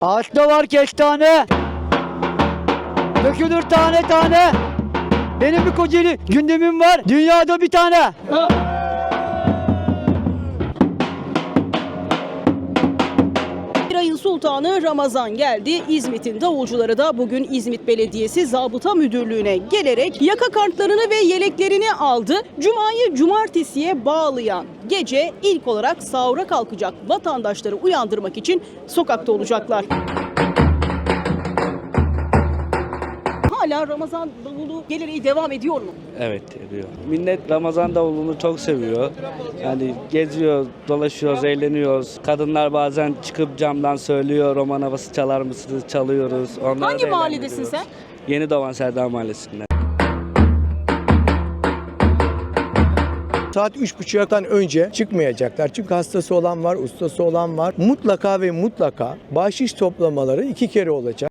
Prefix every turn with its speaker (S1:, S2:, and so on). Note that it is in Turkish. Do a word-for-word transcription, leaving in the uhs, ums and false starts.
S1: Ağaçta var kestane, dökülür tane tane. Benim bir Kocaeli gündemim var, dünyada bir tane.
S2: Bir ayın sultanı Ramazan geldi. İzmit'in davulcuları da bugün İzmit Belediyesi Zabıta Müdürlüğü'ne gelerek yaka kartlarını ve yeleklerini aldı. Cuma'yı cumartesiye bağlayan gece ilk olarak sahura kalkacak vatandaşları uyandırmak için sokakta olacaklar. Hala Ramazan davulu geleneği devam ediyor mu?
S3: Evet, ediyor. Millet Ramazan davulunu çok seviyor. Yani geziyor, dolaşıyoruz, eğleniyoruz. Kadınlar bazen çıkıp camdan söylüyor, roman havası çalar mısınız? Çalıyoruz. Onları
S2: Hangi
S3: da
S2: mahalledesin
S3: eğlendiriyoruz.
S2: sen?
S3: Yeni Doğan Serdar Mahallesi'nde.
S4: Saat üç buçuktan önce çıkmayacaklar. Çünkü hastası olan var, ustası olan var. Mutlaka ve mutlaka bahşiş toplamaları iki kere olacak.